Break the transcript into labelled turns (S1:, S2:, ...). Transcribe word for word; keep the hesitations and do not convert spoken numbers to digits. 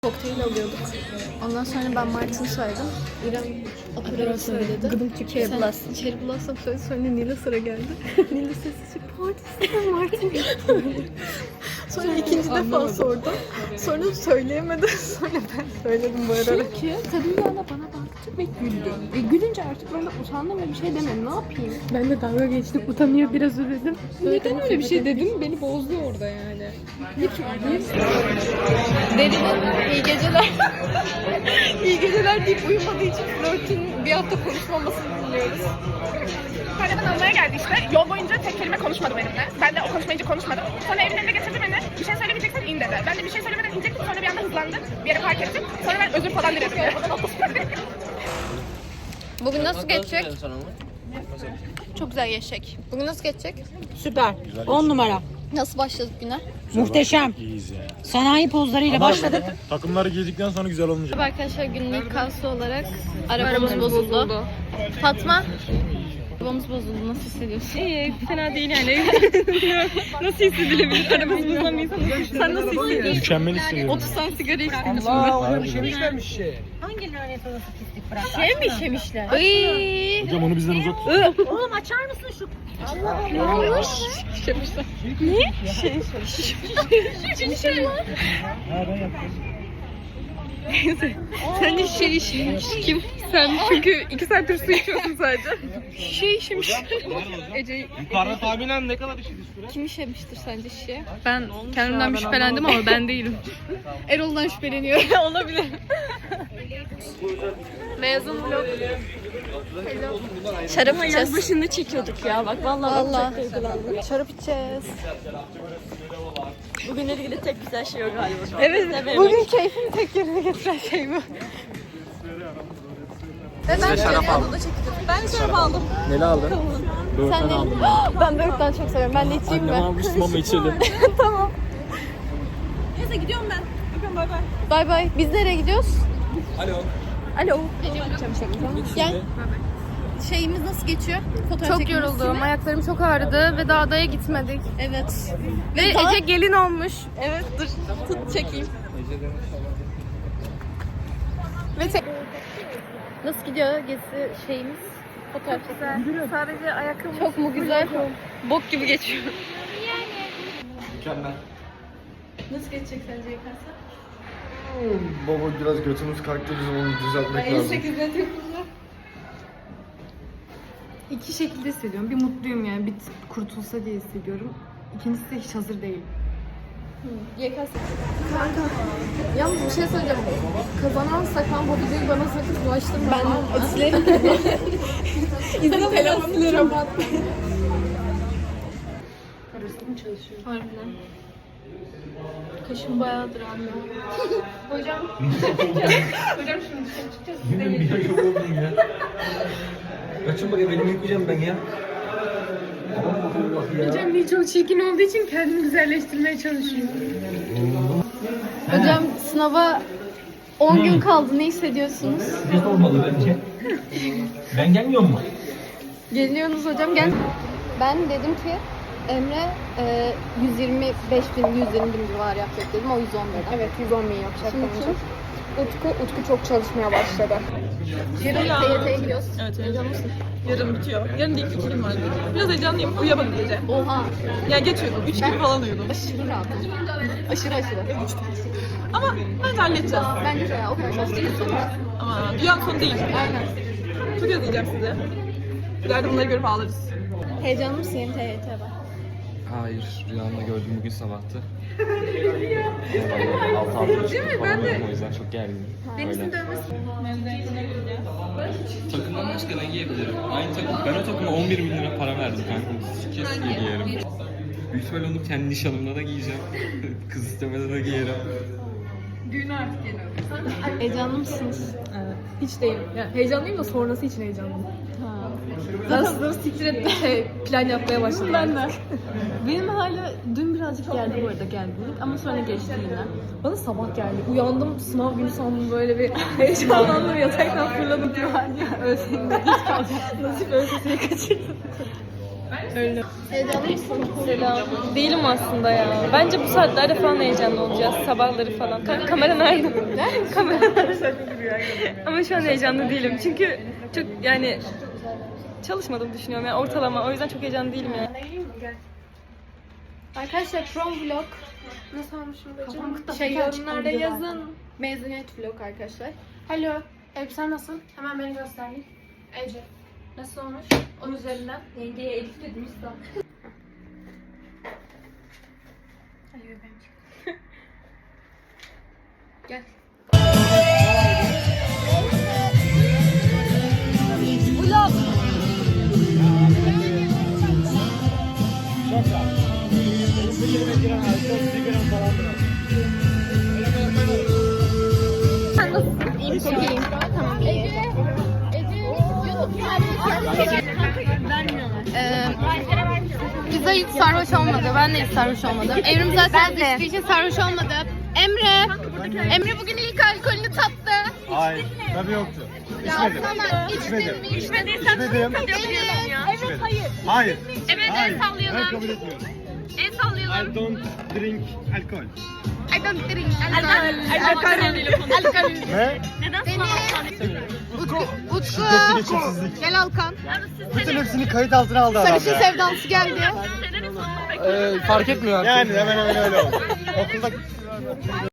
S1: Kokteyl alıyorduk. Ondan sonra ben Martin söyledim. İrem Aperol söyledi. Gıdım çıktı. Cherry Blossom. Cherry Blossom söyledi. Sonra Nil'e sıra geldi. Nil'e sesi partisi Martin. Sonra ikinci defa sordum. Sonra söyleyemedi. Sonra ben söyledim bu arada.
S2: Çünkü kadın bir anda bana baktı ve güldü. Ve gülünce artık ben de utandım ve bir şey demedim. Ne yapayım?
S1: Ben de dalga geçtim. Utanıyor biraz ödedim.
S2: Neden öyle bir şey dedim? Beni bozdu orada yani.
S1: Derinin iyi geceler. iyi geceler deyip uyumadığı için flörtün bir hafta konuşmamasını dinliyoruz.
S3: Kahraman almaya geldi işte. Yol boyunca tek kelime konuşmadı benimle. Ben de o konuşmayınca konuşmadım. Sonra evin önüne getirdi beni. Bir şey söylemeyeceksen in dedi. Ben de bir şey söylemeden inecektim. Sonra bir anda hızlandı. Bir yere park ettim. Sonra ben özür falan diledim.
S1: Bugün nasıl geçecek? Çok güzel geçecek. Bugün nasıl geçecek?
S4: Süper. on numara.
S1: Nasıl başladık güne?
S4: Muhteşem.
S5: İyiyiz yani.
S4: Sanayi pozlarıyla başladık.
S5: Takımları giydikten sonra güzel olmayacak.
S1: Arkadaşlar günün ilk kalsı olarak arabamız bozuldu. Fatma, arabamız bozuldu. Nasıl hissediyorsun?
S2: İyi, fena değil yani. Nasıl hissedilebilir? Aramız bozulamayız. Sen nasıl hissediyorsun?
S5: Mükemmel hissediyorum.
S1: otuz tane sigara içtim.
S5: Harbiden ya.
S4: Hangi lanet olası pislik bıraktı?
S2: Şey mi işemişler?
S1: Ay.
S5: Hocam onu bizden uzak tut.
S4: Oğlum açar mısın şu?
S1: Ne olmuş?
S2: Sen de şişe işemiş. Kim? Sen çünkü iki saattir su içiyorsun sadece. Şişe işemiş. Ece
S6: Yukarıda tahminen ne kadar işiniz süre?
S1: Kim işemiştir sence şişe?
S2: ben kendimden bir şüphelendim ama ben değilim.
S1: Erol'dan şüpheleniyor.
S2: Olabilir. Mezun vlog.
S1: Şarap içeceğiz.
S2: Başında çekiyorduk ya bak vallahi.
S1: Valla. Şarap içeceğiz.
S2: Bugünle ilgili tek güzel şey o galiba.
S1: Evet. Bugün keyfimi tek yerine getiren şey bu. Ve ben şarap aldım. Ben şarap aldım.
S5: Neli aldın?
S1: Sen ne? Ben böğürtlen çok seviyorum. Ben de içeyim mi?
S5: Annem almıştım ama içelim.
S1: Tamam.
S2: Neyse gidiyorum ben. Öpüyorum bay bay.
S1: Bay bay. Biz nereye gidiyoruz?
S5: Alo.
S1: Alo. Gel. Şeyimiz nasıl geçiyor? Fotoğraf
S2: Çok
S1: çekilmesi
S2: yoruldum.
S1: mi?
S2: Ayaklarım çok ağrıdı ve dağdaya gitmedik.
S1: Evet.
S2: Ve
S1: daha-
S2: Ece gelin olmuş.
S1: Evet dur. Tut çekeyim. Ve tek... Nasıl gidiyor gezi şeyimiz? Fotoğraf çekimi.
S2: Sadece ayakkabım
S1: Çok mu güzel?
S2: bok gibi geçiyor.
S5: Mükemmel.
S1: Nasıl geçecek sence yıkarsa?
S7: Baba biraz götümüz kalktı, bizim onu düzeltmek lazım.
S2: İki şekilde hissediyorum. Bir mutluyum yani bir kurtulsa diye hissediyorum. İkincisi de hiç hazır değilim.
S1: Y K S. Kanka. Yalnız bir şey söyleyeceğim. Kazanamazsak ben bu videoyu bana sakın bulaştırma. Ben silerim. İzin telefonu silerim. Harbiden. Kaşım bayağıdır anne. Hocam. Hocam şimdi dışarı çıkacağız.
S6: Yine bir ay oldum ya. Kaçın bakayım elimi yıkayacağım ben ya.
S2: Hocam bir çok çirkin olduğu için kendini güzelleştirmeye çalışıyor.
S1: Hocam sınava on gün kaldı. Ne hissediyorsunuz?
S6: Biz olmalı bence. Ben gelmiyor mu?
S1: Geliyorsunuz hocam gel. Ben dedim ki Emre e, yüz yirmi beş bin, yüz yirmi bin civarı yapacak dedim. O yüz on dedi.
S2: Evet yüz on bin yapacak
S1: Şimdi
S2: bence.
S1: kim?
S2: Utku, Utku çok çalışmaya başladı.
S1: Yarın T Y T'ye gidiyoruz.
S8: Evet heyecanlı mısın? Yarın bitiyor. Yarın ilk ikilim var. Biraz heyecanlıyım. Uyuyamadım gece.
S1: Oha.
S8: Ya geç uyudum. Üç gibi falan uyudum.
S1: Aşırı rahatım. Aşırı aşırı.
S8: Ama bence halledeceğiz.
S1: Bence de ya o kadar çok değil.
S8: Ama dünyanın sonu değil.
S1: Aynen.
S8: Çok özleyeceğim sizi. İleride bunları görüp ağlarız.
S1: Heyecanlı mısın yeni T Y T'ye bak?
S9: Hayır, rüyamda gördüm bugün sabahtı. Vallahi altı altı Değil mi? Ben de. O yüzden çok gerginim. Deniz'in dövmesi. Takımdan başka ne giyebilirim? Aynı takım. Ben o takıma on bir bin lira para verdim kanka. Kesin giyerim. Büyük ihtimalle onu kendi nişanımda da giyeceğim. Kız istemede de giyerim.
S1: Heyecanlı mısınız?
S2: Evet. Hiç değilim. Yani heyecanlıyım da sonrası için heyecanlıyım. Zaten siktir ettim. Şey, plan yapmaya başladım. Ben de. Benim hala dün birazcık geldi bu arada gerginlik ama sonra geçti yine. Bana sabah geldi. Uyandım sınav günü sandım böyle bir heyecanlandım yataktan fırladım. Ya ölseydim de hiç kalacak. Nasip ölsesini kaçırdım.
S1: Heyecanlı mısın?
S2: Selam. Değilim aslında ya. Bence bu saatlerde falan heyecanlı olacağız. Sabahları falan. Ka- kamera nerede? Kamera nerede? Ama şu an heyecanlı değilim. Çünkü çok yani çalışmadığımı düşünüyorum. Yani ortalama. O yüzden çok heyecanlı değilim yani.
S1: Arkadaşlar prom vlog nasıl olmuşum bacım? Şey yorumlarda yazın. Mezuniyet vlog arkadaşlar. Alo, elbisen nasıl? Hemen beni göstereyim. Ece. Nasıl olmuş? Onun üzerinden.
S2: Yengeye Elif dedim usta.
S1: Ay bebeğim. Gel. İyiyim, çok iyiyim. Tamam. Ece, Ece, Ee, Güzel hiç sarhoş olmadı. Ben de hiç sarhoş olmadım. Evrim zaten içtiği için sarhoş olmadı. Emre, Emre bugün ilk alkolünü tattı.
S7: Hayır. Tabii yoktu.
S1: Ya sana içtin mi?
S3: İçmediysen
S7: İçmedim.
S3: kabul ediyorum ya.
S7: Evet, hayır. Hayır.
S3: Evet, el sallayalım.
S7: Ben kabul etmiyorum.
S3: El sallayalım.
S7: I don't drink alkol.
S1: I don't drink alkol. Alkol.
S7: Ne?
S3: Neden
S1: Utku, Utku.
S7: Şiddetli geçimsizlik.
S1: Gel Alkan.
S7: Bütün hepsini kayıt altına aldı adam
S1: Sarışın
S7: ya.
S1: sevdalısı geldi.
S5: Ee, fark etmiyor artık.
S7: Yani hemen hemen öyle oldu. Okulda